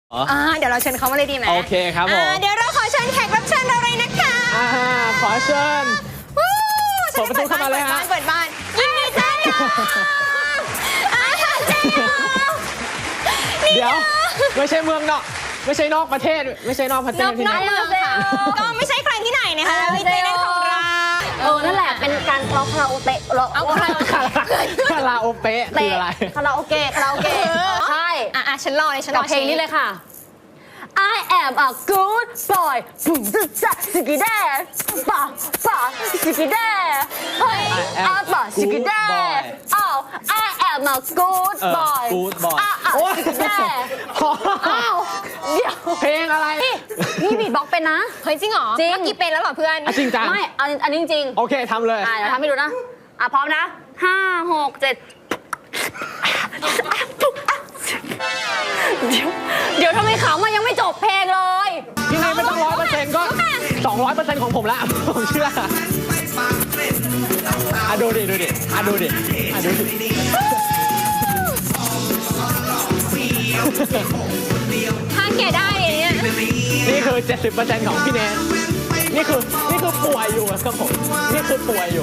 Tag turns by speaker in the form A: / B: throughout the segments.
A: เดี๋ยวเราเชิญเขามาเลยดีไหม
B: โอเคครับผม
A: เดี๋ยวเราขอเชิญแขกรับเชิญเราเลยนะคะ
B: ขอเชิญเปิดประตูเข้ามาเลยฮะ
A: เปิดบ้านยินดีต้อนรับ
B: เดี๋ยวไม่ใช่เมืองนอกไม่ใช่นอกประเทศไม่ใช่นอกประเทศที่ไหน
A: ก็ไม่ใช่ใครที่ไหนนะคะวิเต้นของเรา
C: นั่นแหละเป็นการร้องคาราโอเกะ
B: คาราโอเกะคืออะไร
C: คาราโอเกะใช่
A: ฉันรอเลยฉันรอ
C: เพลงนี้เลยค่ะ I am a good boy ปุ๊บจ๊ะสกิเด้ป่ะสกิเด้เฮ้ยป่ะสกิเด้I am a good boy สกิเด้เดี๋ยว
B: เพลงอะไร
C: นี่บีทบ็อกเป็นนะ
A: เฮ้ยจริงเหรอ
C: จริง
A: กี่เป็นแล้วเหรอเพื่อน
B: จริงจัง
C: ไม่อันนี้จริง
B: โอเคทำเลย
C: เดี๋ยวทำให้ดูนะพร้อมนะ5 6 7เดี๋ยวทำไมขำมันยังไม่จบเพลงเลย
B: พี่นายไม่ต้อง100%ก็200%ของผมแล้วผมเชื่อดูดิ
A: ถ้าแกได้เนี่ย
B: นี่คือ 70% ของพี่เนทนี่คือป่วยอยู่ครับผมนี่คือป่วยอยู่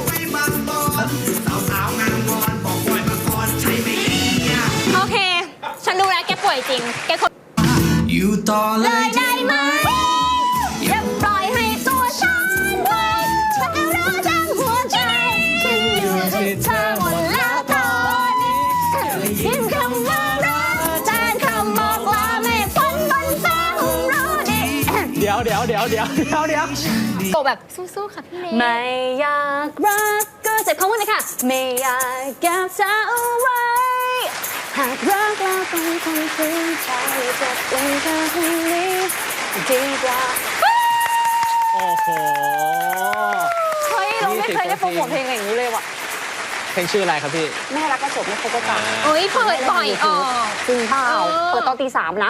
A: โอเคฉันดูแล้วแกป่วยจริงแกคน
D: อยู่ต่อเลย
A: ได้ไหมอย่าปล่อยให้ตัวฉันไปฉันรักทั้งหัวใจฉันอยู่ที่เธอหมดแล้วตอนนี้ยินคำว่ารักแทนคำบอกลาไม่พ้นบนฟ้าของเราดิ
B: เดี๋ยว
A: โตแบบสู้ๆค่ะพี่เนย
C: ไม่อยากรักก็เจ็บคำว่าเลยค่ะไม่อยากเก็บเธอเอาไว้หากรักเราต้องทำถึงใจจะเป็นแค่คนนี้ดีกว่า
B: โอ้โห
C: เฮ้ยเราไม่เคยได้โปรโมทเพลงอย่างนี้เลยว่ะ
B: เพลงชื่ออะไรครับพี่
C: แม่รักก็จบไม่ครบก็ตาย
A: เฮ้ยเปิดบ่อย
C: จริงเปล่าเปิดตอนตี 3นะ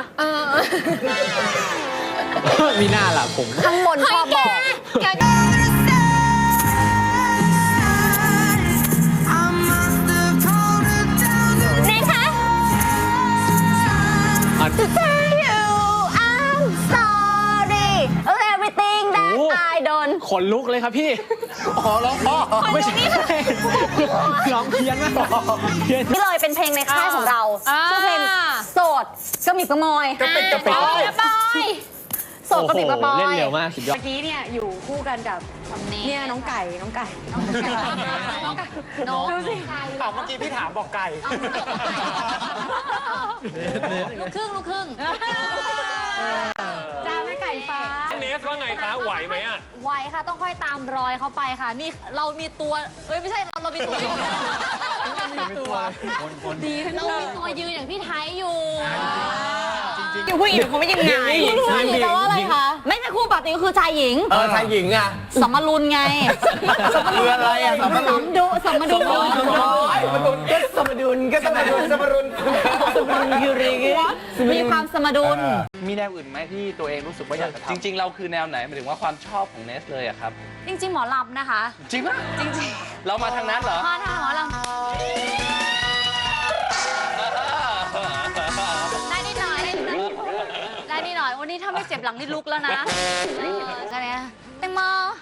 B: มีหน้าล่ะผม
C: ข้างบนชอบบอก
A: To tell you I'm sorry everything that I done
B: ขนลุกเลยครับพี่ร้องพ่อไม่ใช่ร้องเพี้ยนมาก
C: นี่เลยเป็นเพลงในค่ายของเราชื่อเพลงโสดกระหมิบกระมอย
A: กระปิดกระปอย
C: โสดกระปิบกระปอย
B: เล่นเร็วมากสุดยอด
C: เมื่อกี้เนี่ยอยู่คู่กันกับเนี่ยน้องไก่ดูสิ
B: เมื่อกี้พี่ถามบอกไก่
A: ลูกครึ่ง
C: จ้าแม่ไก่ฟ้า
E: เนสว่าไงคะไหวไหมอ่ะ
A: ไหวค่ะต้องค่อยตามรอยเขาไปค่ะนี่เรามีตัวไม่ใช่เรามีตัวดีเรามีตัวยืนอย่างพี่ไทยอยู่อยู่ผู้หญิงเขาไม่ยังไง
C: แต่ว่าอะไรคะไม่ใช่คู่ปกติก็คือชายหญิง
B: ชายหญิงอ่ะ
C: สมรุนไง
B: คืออะไรอ่ะสมรุน
C: สมดุลยูริมีความสมดุล
E: มีแนวอื่นไหมที่ตัวเองรู้สึกว่าอยากจะทำจริงๆเราคือแนวไหนหมายถึงว่าความชอบของเนสเลยอะครับ
A: จริงๆหมอลำนะคะ
E: จริงป่ะ
A: จริง
E: ๆเรามาทางนั้นเหรอ
A: มาทางหมอลำได้นิดหน่อยวันนี้ถ้าไม่เจ็บหลังนี่ลุกแล้วนะอะไรนะแตงโม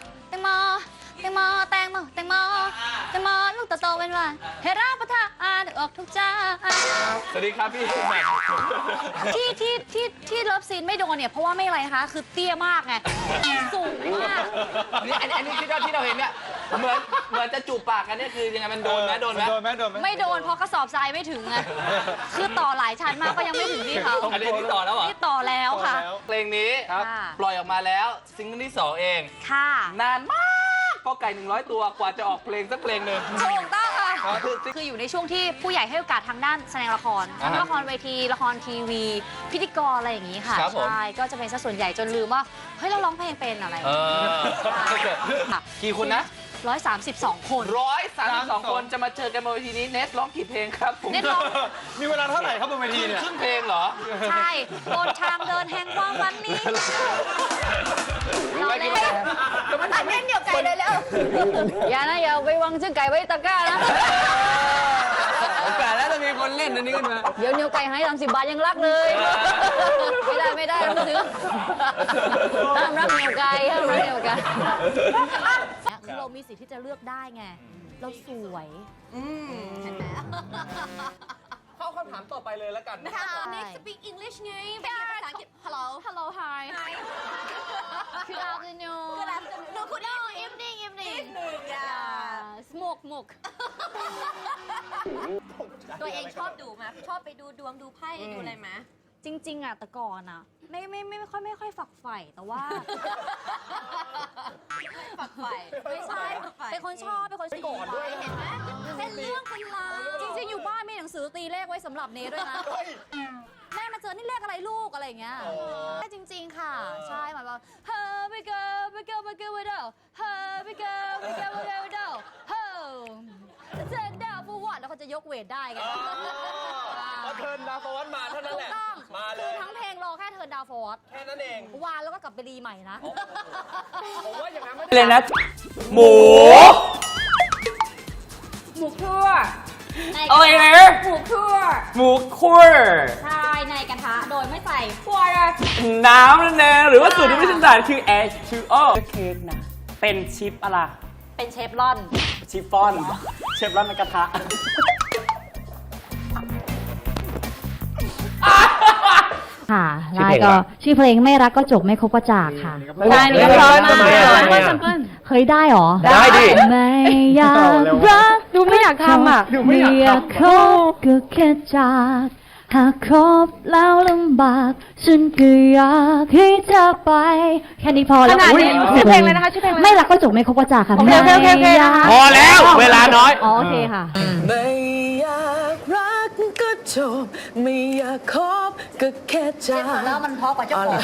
A: ลูกโตเป็นว่าให้รับประทานออกทุกจาน
E: สวัสดีครับพี่
A: ที่เลิฟซีนไม่โดนเนี่ยเพราะว่าไม่อะไรคะคือเตี้ยมากไงสูงมาก
E: นี่อันนี้ที่เราเห็นเนี่ยเหมือนจะจูบปากกันเนี่ยคือยังไงมันโดนไหม
A: ไม่โดนเพราะกระสอบทรายไม่ถึงไงคือต่อหลายชั้นมากก็ยังไม่ถึงที่เขา
E: อันนี้ต่อแล้วเหรอ
A: นี่ต่อแล้วค่ะ
E: เพลงนี้ปล่อยออกมาแล้วซิงเกิลที่2เอง
A: ค่ะ
E: นานมากก็ไก่100ตัวกว่าจะออกเพลงสักเพลงหนึ่ง
A: ถูกต้องค่ะคืออยู่ในช่วงที่ผู้ใหญ่ให้โอกาสทางด้านแสดงละครทั้งละครเวทีละครทีวีพิธีกรอะไรอย่างนี้ค่ะใช่ก็จะเป็นซะส่วนใหญ่จนลืมว่าเฮ้ยเราร้องเพลงเป็นอะไร
E: กี่คนนะ
A: 132 คน
E: 132 คนจะมาเจอกันบนเวทีนี้เนสร้องกี่เพลงครับผม
A: เนสร้อง
E: มีเวลาเท่าไหร่ครับบนเวทีเนี่ยครึ่งเพลงเหรอ
A: ใช่บนทางเดินแห่งความฝันนี้เราเล่นเล่นเดี่ยวไก่เลยแล้วอย่าไปวางชื่อไก่ไว้ตะกร้านะ
B: แต่แล้วจะมีคนเล่นอันนี้ขึ้นมา
C: เดี๋ยวนิวไก่ให้30 บาทยังรักเลย ไม่ได้ไม่ซื้อห้ามรักนิวไก่ห้ามรักนิวไก่คือเรามีสิทธิ์ที่จะเลือกได้ไง เราสวยเห็นไหม
B: เข้าคำถามต่อไปเลยแล้วกัน
C: Next speak English ไงเป็นภาษาอังกฤษ Hello hi Good afternoon
A: Good afternoon No good
C: evening smoke
A: ตัวเองชอบดูไหมชอบไปดูดวงดูไพ่ดูอะไรไหม
C: จริงๆอ่ะแต่ก่อนอ่ะไม่ค่อยฝักใฝ่แต่ว่า
A: ฝักใฝ่
C: ไม่ใช่เป็นคนชอบก่อนด้วย
A: เห็นไหมเป็นเรื่องเป็นราว
C: จริงๆอยู่บ้านมีหนังสือตีเลขไว้สำหรับเนด้วยนะแม่มาเจอนี่เลขอะไรลูกอะไรอย่างเงี้ยใช่จริงๆค่ะใช่หมายว่าเฮ้ยไปเกิร์ไปเกิร์ไปเดาเฮ้ยไปเกิร์ไปเกิร์ไปเดาเฮ้ยเจนดาวฟูวอดแล้วเขาจะยกเวทได้ไง
B: พอเทิร์นดาวฟอนมาเท่านั้นแหละ
C: ต้อง
B: มาเล
C: คือย ทั้งเพลงรอแค่เทิร์นดาวฟอร์ด
B: แค่นั้นเอง
C: วานแล้วก็กลับไปรีใหม่นะ
B: ผมว่าอย่างนั้นไม่
E: เลย
B: ได้
E: นะ หมู
C: หมูคั่ว
E: อะไรนะ
C: หมูคั่ว
E: หมูคั่ว
C: ใช่ในกระทะโดยไม่ใส่คั่ว
E: น้ำนั่นเองหรือว่าสูตรที่ไม่ใช่สารคือ H2O เค้กนะ เป็นชิปอะไร
C: เป็นเชฟรอน
E: ชิฟฟ่อน เชฟร้อนในกระทะ
F: ค่ะแล้วก็ชื่อเพลงไม่รักก็จบไม่คบก็จากค่ะ
B: ใช่นี่ก็เพราะมาก
F: เคยได้หรอ
B: ได้ดิ
F: ไม่อยากรักดูไม่อยากทำอ่ะไม่อยากคบก็แค่จากหากคบแล้วลำบากฉันก็อยากให้เธอไปแค่นี้พอแล้วชื่อเพลงเลยนะคะชื่อเพลงไม่รักก็จบไม่คบก็จากค่ะไม่อยาก
B: พอแล้วเวลาน้อย
F: อ๋อโอเคค่ะ
G: ไม่อยากรักก็จบไม่อยากคบก็แค่จาก
C: แล้วมันเพราะกว่าเจ้าของ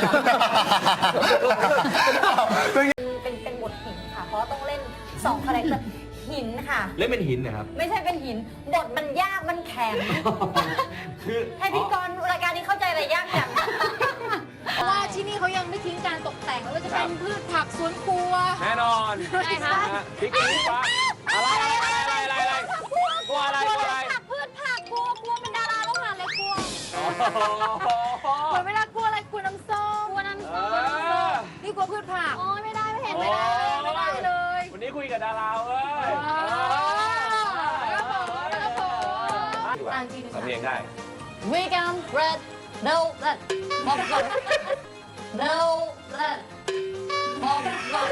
C: เป็นบทหินค่ะ เพราะต้องเล่น2 คาแรคเตอร์หินค่ะ
B: เล่นเป็นหินนะครับ
C: ไม่ใช่เป็นหิน บทมันยากมันแข็ง ให้พิธีกรรายการนี้เข้าใจอะไรยากจังเพราะว่าที่นี่เขายังไม่ทิ้งการตกแต่งไม่ว่าจะเป็นพืชผักสวนครัว
B: แน่นอน
C: ใช่ค่ะ
B: พริกชี้ฟ้าอะไรกลัวอะไรกลัวอะไร
C: พืชผักกลัวเป็นดาราต้องหาอะไรกลัวเวลากลัวอะไรกลัวน้ำส้มนี่กลัวพืชผักโอ้ยไม่ได้ไม่เห็นไม่ได้เลย
B: วันนี้คุยกับดาราเว้ยทำเองได้
C: Vegan bread no that popcorn no that popcorn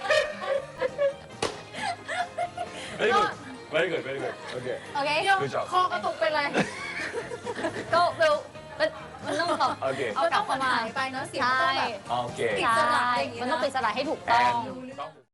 B: very good okay
C: โอเค
B: Good job
C: คอกระตุกเป็นไรก็เร็วมันต้องแบบ
B: โอเค
C: เอากลับเข้ามาไปเนาะเสียงต้องแบบ
B: โอเค
C: ใช่มันต้องเป็นสลายให้ถูกต้อง
B: ต้อง